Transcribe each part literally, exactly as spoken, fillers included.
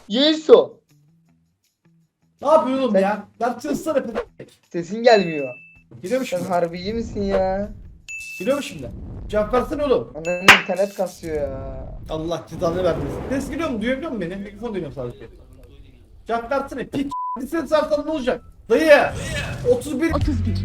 Yeso. Ne yapıyorsun oğlum ya? Lan çalışsana p***. Sesin gelmiyor. Geliyor mu Sen şimdi? harbi iyi misin ya? Geliyor mu şimdi? Cevap versene oğlum. Ananın internet kasıyor ya. Allah cezanı vermesin. Ses geliyor mu? Duyabiliyor musun beni? Mikrofon duyuyorum sadece. Cevap versene. Piç. Bir ses versen ne olacak? Dayı. otuz bir. otuz bir.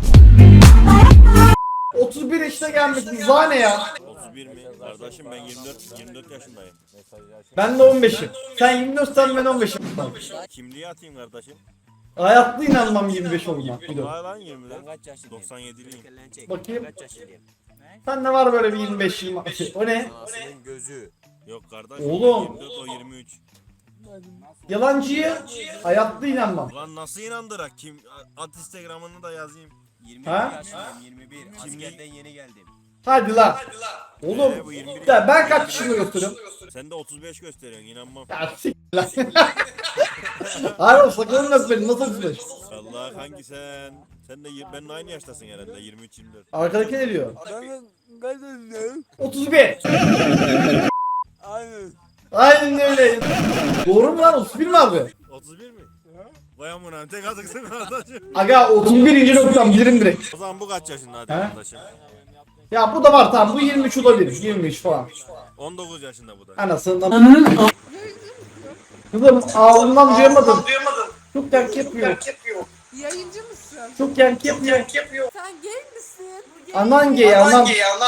otuz bir yaşına gelmişsin. Zane ya. otuz bir mi? Kardeşim ben yirmi dört yirmi dört yaşındayım. Ben de on beşim. Sen yirmi dört sen ben on beşim. Kimliği atayım kardeşim. Hayatta inanmam yirmi beş olduğuna. Vay lan yirmi dört. doksan yediliyim. Bakayım. Sen ne var böyle bir yirmi beş yirmi? O ne? Anasının gözü. Yok kardeşim. Oğlum. yirmi dört o yirmi üç. Yalancıya hayatta inanmam. Lan nasıl inandırak? Kim at Instagram'ını da yazayım. yirmi bir Ha? yaşındayım, yirmi bir. Askerden yeni geldim. Hadi lan. Oğlum. Ee, bu yirmi bir. Ya ben kaç yaşında gösteriyorum? Sen de otuz beş gösteriyorsun inanmam. Ya sik lan. Hayır oğlum sakalını öp beni nasıl otuz beş? Allah hangi sen? Sen de yir- benimle aynı yaştasın herhalde yirmi üç yirmi dört. Arkadaki ne diyor? Ben ben ne? otuz bir. Aynen. Aynen öyle. Doğru mu lan otuz bir mi abi? otuz bir mi? Vay amına tek atıksın kardeşim. Aga otuz birinci noktam birim direkt. O zaman bu kaç yaşında hadi He? kardeşim? Ya bu da var tamam bu yirmi üç olabilir. yirmi üç falan. on dokuz yaşında bu da. Anasından. Kızım ağzından duyamadım. Çok yankı yapıyor. Yayıncı mısın? Çok yankı yapıyor. Sen gay misin? Anan gay anan.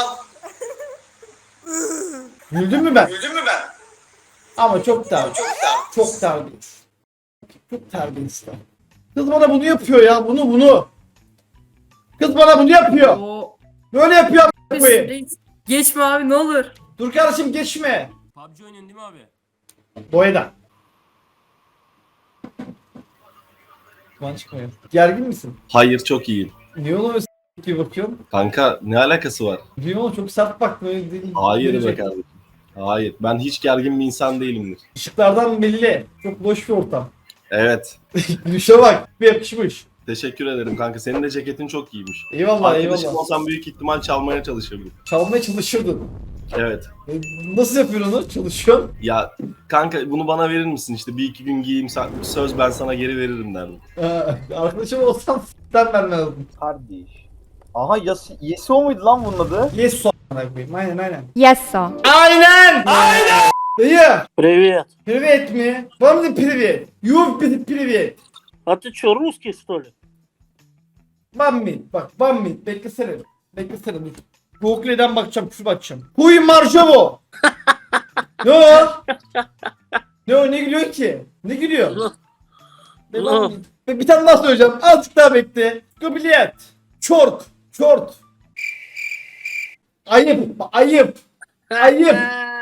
Güldün mü ben? Güldün mü ben? Ama çok ter. Çok da. Çok terbiyesiz. Çok terbiyesiz. Kız bana bunu yapıyor ya bunu bunu. Kız bana bunu yapıyor. O Böyle yapıyor a**ına koyayım. reis. Geçme abi ne olur. Dur kardeşim geçme. P U B G oynuyorsun değil mi abi? Boydan. Kuman çıkmıyor. Gergin misin? Hayır çok iyiyim. Niye ona öyle s**k gibi bakıyorsun? Kanka ne alakası var? Niye ona çok sert baktın öyle değil. Hayır be Gelecek. kardeşim. Hayır. Ben hiç gergin bir insan değilimdir. Işıklardan belli. Çok boş bir ortam. Evet. Gülüşe bak. Bir yakışmış. Teşekkür ederim kanka. Senin de ceketin çok iyiymiş. Eyvallah Arkadaşım eyvallah. olsam büyük ihtimal çalmaya çalışırdım. Çalmaya çalışırdın. Evet. E, Nasıl yapıyorsun onu? Çalışıyorsun. Ya kanka bunu bana verir misin işte bir iki gün giyeyim sen- söz ben sana geri veririm derdim. Ee, arkadaşım olsam s**ten vermezdim. Kardeş. Aha yas Yeso muydu lan bunun adı? Yes so a**ına koyayım. Aynen aynen. Yeso. Aynen! Aynen! Dayı! Привет. Privet mi? Вам не привет. You pri- привет. А ты чё, русский, что ли? One minute. Bak one minute. Beklesene. Beklesene dur. Google'den bakacağım. Küfür bakacağım. Huy Marjovo. Ne o? Ne o? Ne gülüyor ki? Ne gülüyor? Be, one minute. Be, bir tane daha söyleyeceğim. Azıcık daha bekle. Kabiliyet. Çort. Çort. Ayıp. Ayıp. Ayıp.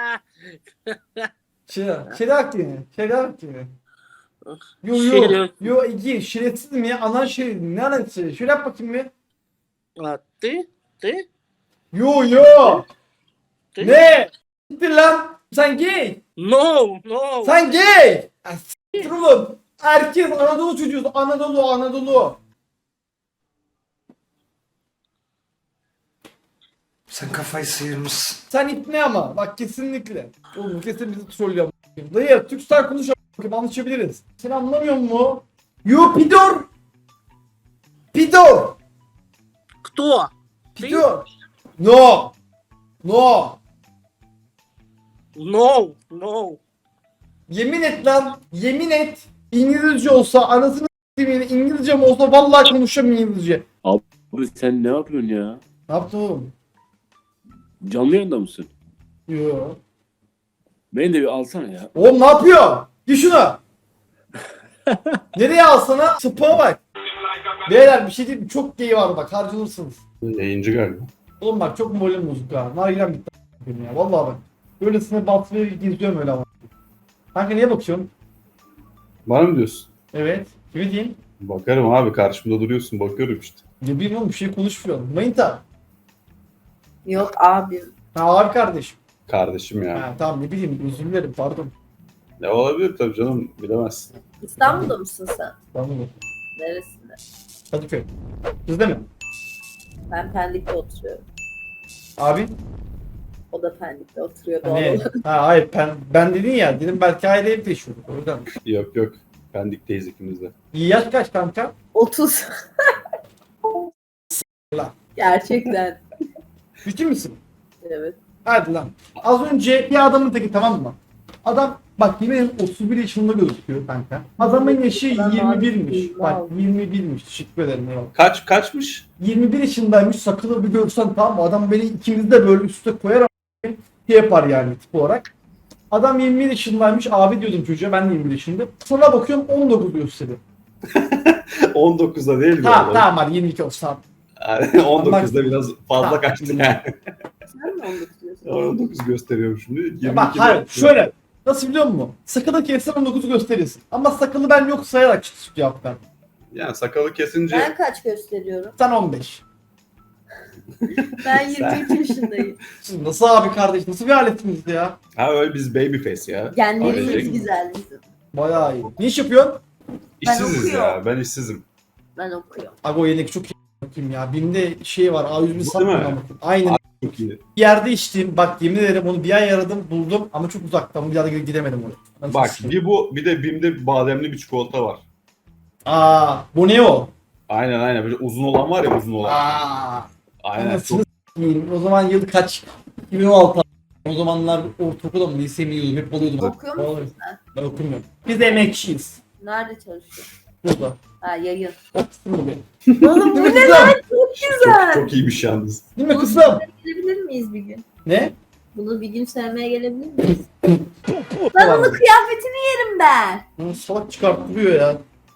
Şera. Şerak yine. Şerak yine. Yo yo. Şeref. Yo iki. Şerefsiz mi ya? Anan şeref. Ne alakası? Şöyle yap bakayım bir. А ты? Ты? Yo yo. Ты? Ne? Gittir lan. Sen gay. No, no. Sen gay. Ya s**tir oğlum. Herkes Anadolu çocuğu. Anadolu Anadolu. Sen kafayı sıyırmışsın. Sen ipne ama. Bak kesinlikle. Oğlum kesin bizi trollüyor. Dayı Türkstar konuş a**ım, anlaşabiliriz. Sen anlamıyor musun? Yo pidor. Pidor. Кто? Pidor. No. No. No, no. Yemin et lan. Yemin et. İngilizce olsa anasını s**eyim, İngilizce mi olsa vallahi konuşamam İngilizce. Abi sen ne yapıyorsun ya? Ne yaptın oğlum? Canlı yayında mısın? Yo. Beni de bir alsana ya. Oğlum ne yapıyor? Gir şunu. Nereye alsana? Sıpa bak. Beyler bir şey diyeyim mi? Çok gay var bak harcanırsınız. Yayıncı galiba. Oğlum bak çok moralim bozuk ha. Nargilem bitti a**ım ya. Vallahi bak. Böylesine batmaya geziyorum öyle ama. Kanka niye bakıyorsun? Bana mı diyorsun? Evet. Kimi diyeyim? Bakarım abi karşımda duruyorsun bakıyorum işte. Ne bileyim oğlum bir şey konuşmuyorum. Manita. Yok abi. Ha abi kardeşim. Kardeşim ya. Ha tamam ne bileyim özür dilerim pardon. Ne olabilir tabii canım bilemezsin. İstanbul'da mısın sen? Pardon. Neresinde? Kadıköy. Sizde mi? Ben Pendik'te oturuyorum. Abi. O da Pendik'te oturuyor doğal Hani, olarak. ha, hayır ben, ben dedin ya dedim belki aile ev yaşıyorduk o yüzden. Yok yok. Pendik'teyiz ikimiz de. Yaş kaç kanka? otuz. Lan. Gerçekten. Ciddi misin? Evet. Hadi lan. Az önce bir adamın teki tamam mı? Adam bak yine otuz bir yaşında gözüküyor kanka. Adamın yaşı Ben yirmi birmiş. abi, Bak wow. yirmi birmiş. Teşekkür ederim. Eyvallah. Kaç kaçmış? yirmi bir yaşındaymış. Sakalı bir görsen tamam mı? Adam beni ikimiz de böyle üstte koyar ama şey yapar yani tip olarak. Adam yirmi bir yaşındaymış. Abi diyordum çocuğa. Ben de yirmi bir yaşındayım. Sonra bakıyorum on dokuz gösteriyor. on dokuzda değil mi? Tamam tamam hadi yirmi iki olsun. Tamam. on dokuzda biraz fazla Tamam. kaçtı yani. Sen mi onu tutuyorsun? on dokuz gösteriyorum şimdi. yirmi Bak iki hayır de- şöyle. Nasıl biliyor musun? Sakalı kessen on dokuzu gösterirsin. Ama sakalı ben yok sayarak çık cevap ver. Yani sakalı kesince Ben kaç gösteriyorum? Sen on beş. Ben yirmi iki yaşındayım. Siz nasıl abi kardeş? Nasıl bir aletiniz ya? ha öyle biz baby face ya. Genlerimiz Ailecek. güzel bizim. Bayağı iyi. Ne iş yapıyorsun? İşsiziz okuyorum. ya. Ben işsizim. Ben okuyorum. Abi o yedek çok iyi bakayım ya. Bimde şey var. A yüz bin Bu satmıyor değil mi? ama. Aynen. Çok iyi. Bir yerde içtim. Bak yemin ederim onu bir ay aradım buldum ama çok uzaktan. Bir daha da gidemedim oraya. Ben Bak çok bir bu bir de Bim'de bademli bir çikolata var. Aa, bu ne o? Aynen aynen böyle uzun olan var ya uzun olan. Aa. Aynen Anasını çok s**eyim. O zaman yıl kaç? iki bin on altı. O zamanlar ortaokulda mı lise mi yiyordum? Hep alıyordum. Okuyor musun Vallahi. sen? Ben okumuyorum. Biz emekçiyiz. Nerede çalışıyorsun? Burada. Ha yayın. Otursun mu be? Oğlum bu Değil mi ne kızım? lan? Çok güzel. çok, çok iyiymiş yalnız. Değil mi Bunu kızım? gelebilir miyiz bir gün? Ne? Bunu bir gün sevmeye gelebilir miyiz? Var Lan mı? onun kıyafetini yerim ben. Bunu salak çıkarttırıyor ya.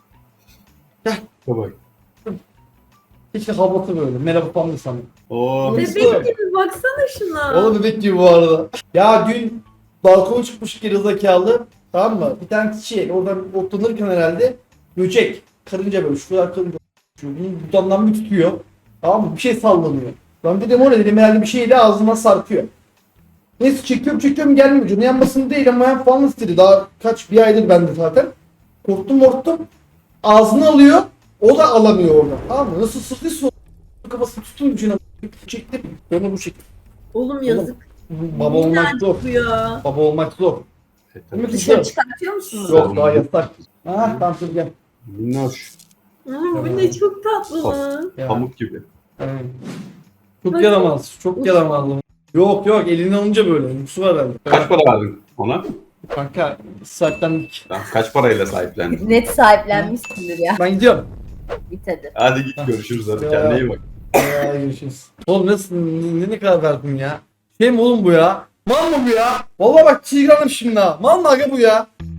Bak. Hiç de havlatı böyle. Merhaba falan da sanırım. Oo. Bebek Bebek gibi baksana şuna. Oğlum bebek gibi bu arada. Ya dün balkona çıkmış gerizekalı. Tamam mı? Bir tane şey oradan otlanırken herhalde böcek. Karınca böyle şu kadar karınca. Şu bunun dudağından bir tutuyor. Tamam mı? Bir şey sallanıyor. Ben dedim o ne dedim herhalde bir şeyle ağzıma sarkıyor. Neyse çekiyorum çekiyorum gelmiyor. Canı yanmasın değil ama yan falan istedi. Daha kaç bir aydır bende zaten. Korktum korktum. Ağzını alıyor. O da alamıyor oradan. Tamam mı? Nasıl sızdıysa o kafasını tuttum ucuna. Çektim. Onu bu şekilde. Oğlum yazık. Baba olmak zor. Bu ya. Baba olmak zor. Değil mi Dışarı kızım? çıkartıyor musunuz? Yok daha yasak. Ha tamam dur gel. Minnoş. Oğlum bu ne çok tatlı lan. Ya. Pamuk gibi. Evet. Çok yaramaz. Çok yaramaz. Yok yok elini alınca böyle. Yoksu var herhalde. Kaç para verdin ona? Kanka sahiplendik. Tamam, kaç parayla sahiplendin? Net sahiplenmişsindir ya. Ben gidiyorum. Bit hadi. Hadi git görüşürüz hadi Ya. kendine iyi bak. Ya görüşürüz. Oğlum nasıl ne, ne kadar verdin ya? Şey mi oğlum bu ya? Mal mı bu ya? Vallahi bak çiğganım şimdi ha. Mal mı aga bu ya?